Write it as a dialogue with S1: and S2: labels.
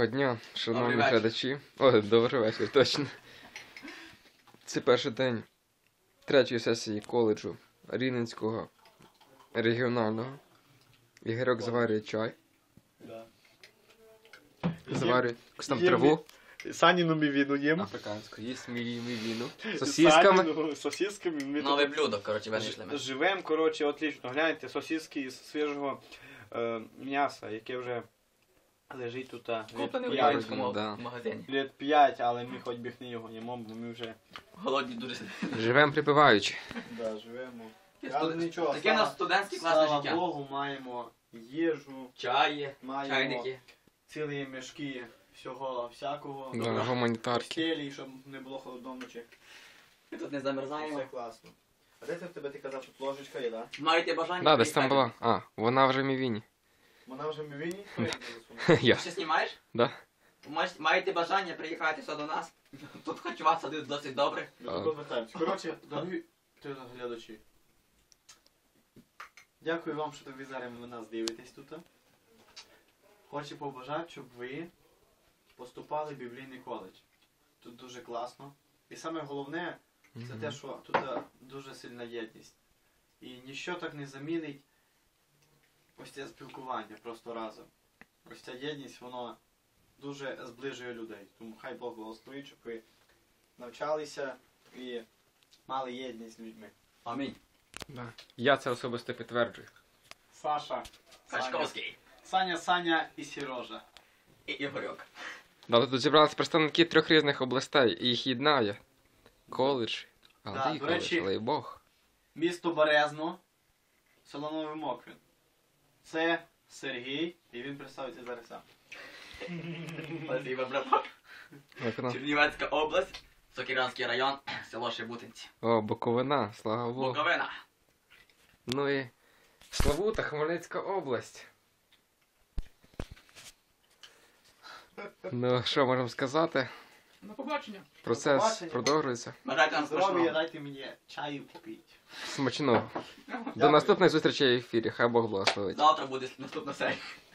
S1: Доброго дня, шановні
S2: Добрий вечір.
S1: глядачі. О, добрий вечір, точно. Це перший день третьої сесії коледжу Рівненського регіонального. Ігорьок заварює чай,
S3: Да.
S1: заварює якусь там
S3: Є
S1: траву
S3: Саніну мівіну їм.
S1: африканську, їсть мівіну, сосісками.
S3: Саніну, сосісками. Ми
S2: Нове
S3: тут
S2: блюдо, коротше, винайшли ми.
S3: живемо, коротше, отлично. Гляньте, сосиски із свіжого м'яса, яке вже лежить тут
S2: Куплений в
S1: п'ять,
S2: українському
S1: да.
S2: магазині.
S3: літ 5, але ми хоч біг не його їмо, бо ми вже
S2: Голодні дуже.
S1: Живемо припиваючи.
S3: живемо.
S2: Таке
S3: нічого,
S2: у нас студентське класне
S3: слава
S2: життя.
S3: Богу, маємо їжу,
S2: Чаї,
S3: маємо
S2: чайники.
S3: цілі мішки всього всякого.
S1: Да, гуманітарки.
S3: Постелі, щоб не було холодно вночі.
S2: Ми тут не
S3: Все
S2: замерзаємо.
S3: класно. А де це в тебе, ти казав, що ложечка є, так?
S2: Маєте бажання?
S1: Да, десь там
S2: приїхати?
S1: була. А, вона вже в мівіні.
S3: Вона вже в мівіні? Хто її
S1: Я.
S2: Ти ще знімаєш?
S1: Да.
S2: Маєте бажання приїхати сюди до нас? Тут харчувати садить досить добре.
S3: Розвертаємося. Коротше, дорогі телеглядачі. Дякую вам, що ви зараз на нас дивитесь тут. Хочу побажати, щоб ви поступали в біблійний коледж. Тут дуже класно. І саме головне, це те, що тут дуже сильна єдність. І ніщо так не замінить ось це спілкування просто разом. Ось ця єдність, воно дуже зближує людей. Тому хай Бог благословить, щоб ви навчалися і мали єдність з людьми.
S2: Амінь.
S1: Да. Я це особисто підтверджую.
S3: Саша,
S2: Качковський.
S3: Саня і Сережа.
S2: І Ігорьок.
S1: Да, тут зібралися представники трьох різних областей, і їх єднає коледж.
S3: Да,
S1: Але
S3: до
S1: коледж,
S3: речі-
S1: але й Бог.
S3: Місто Березно, село Новий Моквін. Це Сергій, і він представиться зараз сам.
S2: Спасибо, браток.
S1: Як вона?
S2: Чернівецька область, Сокиранський район, село Шебутинці.
S1: О, Буковина, слава Богу.
S2: Буковина.
S1: Ну і Славута, Хмельницька область. Ну, що можемо сказати?
S2: До побачення.
S1: Процес
S3: побачення.
S1: продовжується.
S2: Бажайте нам
S3: Здоров'я,
S2: смачного.
S3: дайте мені чаю попити.
S1: Смачного. До
S3: Дякую.
S1: наступних зустрічей в ефірі. Хай Бог благословить.
S2: Завтра буде наступна серія.